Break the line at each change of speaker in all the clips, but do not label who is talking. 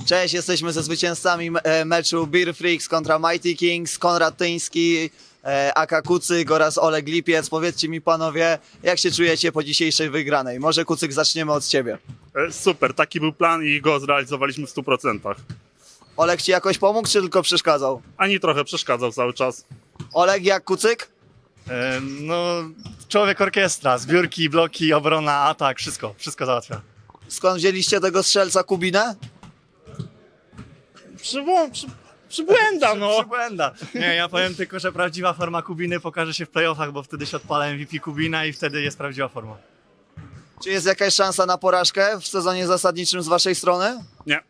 Cześć, jesteśmy ze zwycięzcami meczu Beer Freaks kontra Mighty Kings, Konrad Tyński, aka Kucyk oraz Oleg Lipiec. Powiedzcie mi panowie, jak się czujecie po dzisiejszej wygranej? Może Kucyk zaczniemy od ciebie.
Super, taki był plan i go zrealizowaliśmy w 100%.
Oleg ci jakoś pomógł, czy tylko przeszkadzał?
Ani trochę przeszkadzał cały czas.
Oleg, jak Kucyk?
No, człowiek orkiestra, zbiórki, bloki, obrona, atak, wszystko załatwia.
Skąd wzięliście tego strzelca Kubinę?
Przybłęda, no.
Przybłęda. Nie, ja powiem tylko, że prawdziwa forma Kubiny pokaże się w playoffach, bo wtedy się odpala MVP Kubina i wtedy jest prawdziwa forma.
Czy jest jakaś szansa na porażkę w sezonie zasadniczym z waszej strony?
Nie.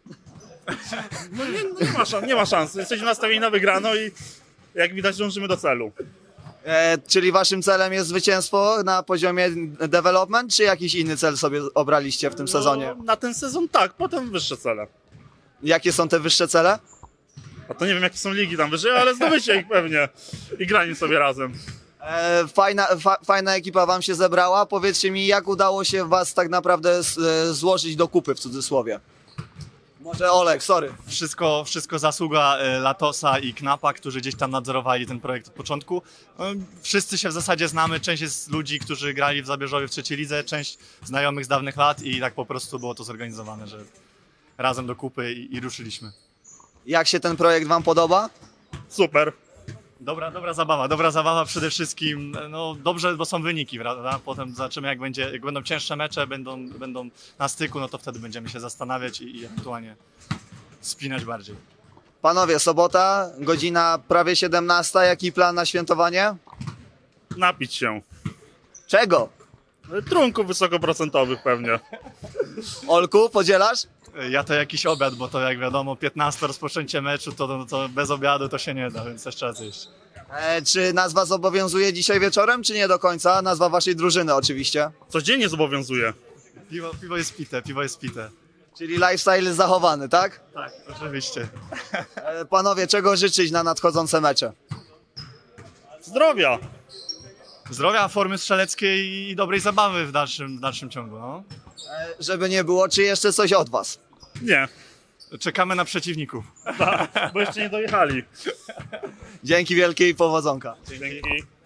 No nie ma szans. Jesteśmy nastawieni na wygraną i jak widać dążymy do celu.
Czyli waszym celem jest zwycięstwo na poziomie development, czy jakiś inny cel sobie obraliście w tym sezonie?
No, na ten sezon tak, potem wyższe cele.
Jakie są te wyższe cele?
A to nie wiem jakie są ligi tam wyżej, ale zdobycie ich pewnie. I granie sobie razem.
Fajna ekipa wam się zebrała. Powiedzcie mi, jak udało się was tak naprawdę złożyć do kupy, w cudzysłowie? Może Oleg, sorry.
Wszystko zasługa Latosa i Knapa, którzy gdzieś tam nadzorowali ten projekt od początku. Wszyscy się w zasadzie znamy, część jest ludzi, którzy grali w Zabierzowie w trzeciej lidze, część znajomych z dawnych lat i tak po prostu było to zorganizowane, że razem do kupy i ruszyliśmy.
Jak się ten projekt wam podoba?
Super.
Dobra zabawa przede wszystkim. No dobrze, bo są wyniki, prawda? Potem zobaczymy, jak będą cięższe mecze, będą na styku, no to wtedy będziemy się zastanawiać i ewentualnie spinać bardziej.
Panowie, sobota, godzina prawie 17. Jaki plan na świętowanie?
Napić się.
Czego?
Trunków wysokoprocentowych pewnie.
Olku, podzielasz?
Ja to jakiś obiad, bo to jak wiadomo 15 rozpoczęcie meczu, to bez obiadu to się nie da, więc też trzeba zjeść.
Czy nazwa zobowiązuje dzisiaj wieczorem, czy nie do końca? Nazwa waszej drużyny oczywiście.
Codziennie zobowiązuje.
Piwo jest pite.
Czyli lifestyle jest zachowany, tak?
Tak, oczywiście.
Panowie, czego życzyć na nadchodzące mecze?
Zdrowia.
Zdrowia, formy strzeleckiej i dobrej zabawy w dalszym ciągu. No.
Żeby nie było, czy jeszcze coś od was?
Nie.
Czekamy na przeciwników.
Bo jeszcze nie dojechali.
Dzięki wielkie i powodzonka.
Dzięki.